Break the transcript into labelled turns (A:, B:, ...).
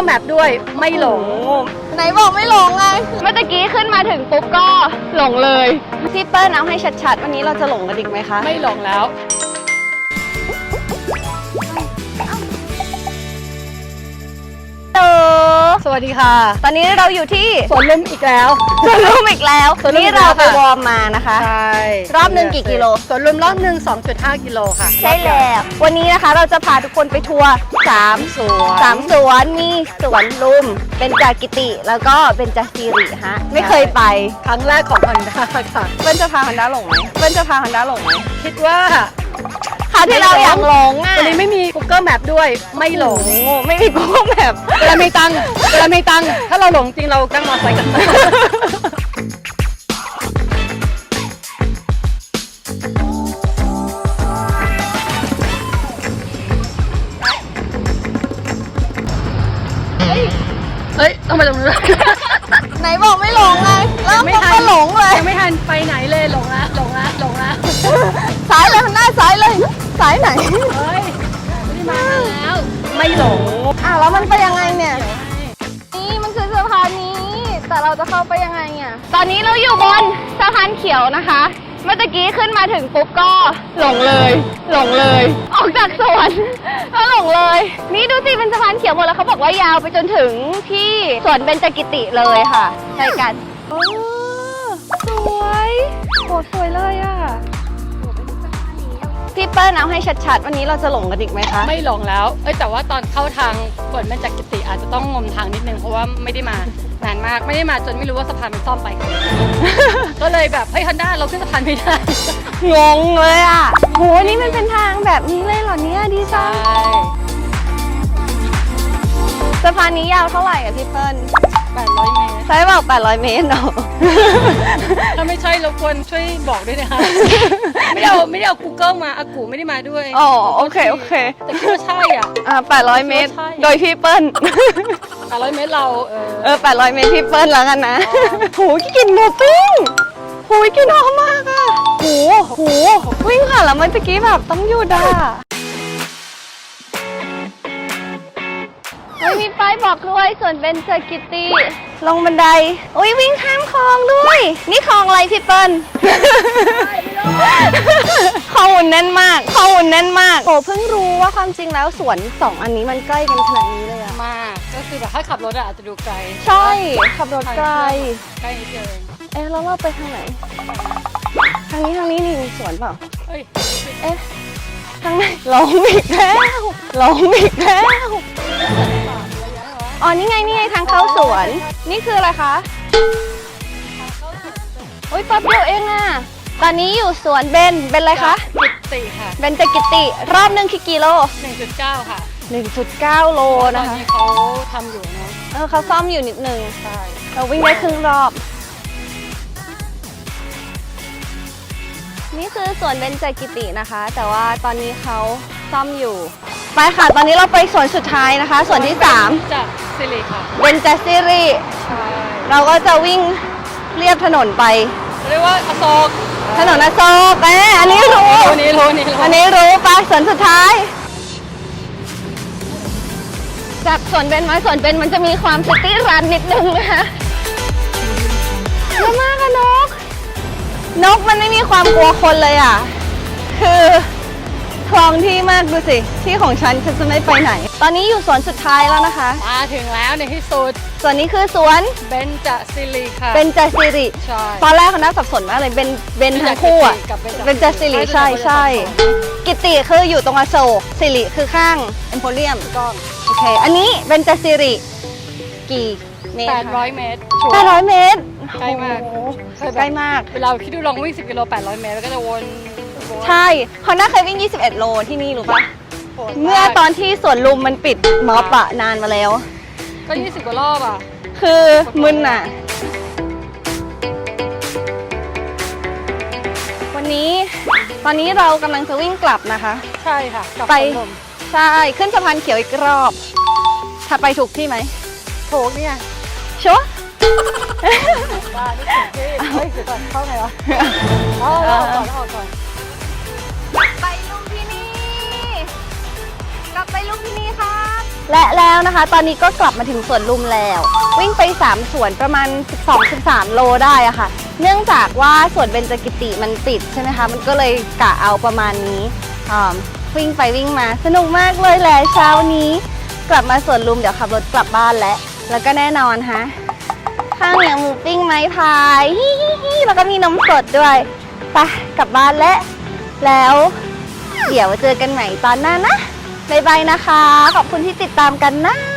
A: Google Map ด้วยไม่หลง
B: ไหนบอกไม่หลงไงเมื่อกี้ขึ้นมาถึงปุ๊บก็หลงเลยพี่เปิ้ลเอาให้ชัดๆวันนี้เราจะหลงกันอีกไหมคะ
A: ไม่หลงแล้วสวัสดีค่ะ
B: ตอนนี้เราอยู่ที่
A: สวนลุมอีกแล้ว
B: สวนลุมอีกแล้วนี่เราไปวอร์มมานะคะ
A: ใช่
B: รอบหนึ่งกี่กิโล
A: สวนลุมรอบหนึ่ง 2.5 กิโลค่ะ
B: ใช่แล้ววันนี้นะคะเราจะพาทุกคนไปทัวร์3 สวนมีสวนลุมเป็นจากิติแล้วก็เป็นจาซีริฮะไม่เคยไป
A: ครั้งแรกของฮันด้าค่ะ
B: เปิ้ลจะพาฮันด้าหลงไหม
A: คิดว่า
B: คราวที่เราอยากหลงอ่ะ
A: วันนี้ไม่มี Google Map ด้วยไม่หลง
B: ไม่มี Google Map
A: เวลามีตังค์ถ้าเราหลงจริงเรานั่งมอเตอร์ไซค์กันเฮ้ยต้องไปตรงนู้น
B: ไหนบอกไม่หลงไงแล้วก็หลงเลย
A: ยังไม่ทันไปไหนเลยหลงละ
B: สายเลยหน้าสายเลยสายไหน
A: เฮ้ยไม่มาแล้วไม่หลง
B: แล้วมันไปยังไงเนี่ยนี่มันคือสะพานนี้แต่เราจะเข้าไปยังไงเนี่ยตอนนี้เราอยู่บนสะพานเขียวนะคะเมื่อกี้ขึ้นมาถึงปุ๊บก็หลงเลยออกจากสวนก็หลงเลยนี่ดูสิเป็นสะพานเขียวหมดแล้วเขาบอกว่ายาวไปจนถึงที่สวนเบญจกิติเลยค่ะใช่กันสวยโหสวยเลยอ่ะพี่เปิ้ลเอาให้ชัดๆวันนี้เราจะหลงกันอีกไหมคะ
A: ไม่หลงแล้วแต่ว่าตอนเข้าทางสวนเบญจกิติอาจจะต้องงมทางนิดนึงเพราะว่าไม่ได้มานานมากไม่ได้มาจนไม่รู้ว่าสะพานมันซ่อมไป ก็เลยแบบฮันด้าเราขึ้นสะพานไม่ได้
B: งงเลยอ่ะโหนี่มันเป็นทางแบบนี้เลยเหรอเนี่ยดีจังสะพานนี้ยาวเท่าไหร่อ่ะพี่เปิ้ล
A: 800 เมตร
B: ใช่บอก800 เมตรเนาะ
A: ถ้าไม่ใช่รบกวนช่วยบอกด้วยนะคะไม่ได้เอา Google มาอากูไม่ได้มาด้วย
B: อ๋อโอเค
A: แต่คิดว่าใช่
B: 800 เมตรโดยพี่เปิ้ล
A: 800 เมตรเรา
B: 800 เมตรพี่เปิ้ลแล้วกันนะโหกินหมูปิ้งโหกินหอมมากอ่ะโหวิ่งค่ะแล้วเมื่อกี้แบบต้องหยุดไม่มีป้ายบอกด้วยส่วนเบญจกิติลงบันไดวิ่งข้ามคลองด้วยนี่คลองอะไรพี่เปิ้ลข้อมูลแน่นมากโอ้เพิ่งรู้ว่าความจริงแล้วสวน2อันนี้มันใกล้กันขนาดนี้เลยอะ
A: มากก็คือแบบถ้าขับรถอาจจะดูไกล
B: ใช่ขับรถไกล
A: นิดเดียว
B: แล้วเราไปทางไหนทางนี้นี่มีสวนเปล่าทางไหนหลงอีกแล้วอ๋อนี่ไงทางเข้าสวนนี่คืออะไรคะแป๊บเดียวเองอ่ะตอนนี้อยู่สวนเบญอะไรคะ
A: กิติค่ะ
B: เบญจกิติรอบหนึ่งกี่กิโล
A: 1.9 ค่ะ
B: 1.9 โลนะคะ
A: ตอนนี้เขาทำอยู่เนาะ
B: เขาซ่อมอยู่นิดนึง
A: ใช่
B: เราวิ่งได้ครึ่งรอบนี่คือสวนเบญจกิตินะคะแต่ว่าตอนนี้เขาซ่อมอยู่ไปค่ะตอนนี้เราไปสวนสุดท้ายนะคะสวนที่3
A: จากซิริค่ะ
B: เบญจซิริ
A: ใช่
B: เราก็จะวิ่งเรียบถนนไป
A: เรียกว่าอโศก
B: ถนนอโศกอันนี้รู้อันนี้รู้ไปสวนสุดท้ายจากสวนเบญมาสวนเบญมันจะมีความซิตี้รันนิดนึงนะคะเยอะมากอะนกมันไม่มีความกลัวคนเลยอ่ะคือคลองที่มากดูสิที่ของฉันจะไม่ไปไหนตอนนี้อยู่สวนสุดท้ายแล้วนะคะ
A: มาถึงแล้วในที่สุด
B: ส่วนนี้คือสวน
A: เบญจซิริค่ะ
B: เบญจซิริ
A: ใช่
B: ตอนแรกเขาน่าสับสนมากเลยเบญทั้งคู่อ่ะเบญจซิริใช่กิติคืออยู่ตรงอโศกซิริคือข้างเอ็มโพเรียม
A: ก็
B: โอเคอันนี้เบญจซิริกี่เมตร
A: 800 เมตร
B: 800 เมตร
A: ใกล้มากเวลาคิดดูลองวิ่ง10 กิโล800 เมตรแล้วก็จะวน
B: ใช่เขาน่าเคยวิ่ง21 โลที่นี่รู้ปะเมื่อตอนที่สวนลุมมันปิดม็อบอะนานมาแล้ว
A: ก็20 กว่ารอบอะ
B: คือมึนอะตอนนี้เรากำลังจะวิ่งกลับนะคะ
A: ใช่ค่ะ
B: ไปใช่ขึ้นสะพานเขียวอีกรอบถ้าไปถูกที่ไหม
A: ถูกเนี่ย
B: ชัวร์
A: ว่านี่ถูกที่เดี๋ยวก่อนเข้าไงวะเอาก่อน
B: ไปลุมพินีกลับไปลุมพินีครับและแล้วนะคะ ตอนนี้ก็กลับมาถึงสวนลุมแล้ว วิ่งไป3สวนประมาณ 12-13 โลได้อะค่ะ เนื่องจากว่าสวนเบญจกิติมันปิดใช่ไหมคะ มันก็เลยกะเอาประมาณนี้วิ่งไปวิ่งมาสนุกมากเลยแหละเช้านี้ กลับมาสวนลุมเดี๋ยวขับรถกลับบ้านแล้วก็แน่นอนฮะข้าวเหนียวหมูปิ้งไม้พายฮิแล้วก็มีนมสดด้วยไปกลับบ้านแล้วเดี๋ยวเจอกันใหม่ตอนหน้านะบ๊ายบายนะคะขอบคุณที่ติดตามกันนะ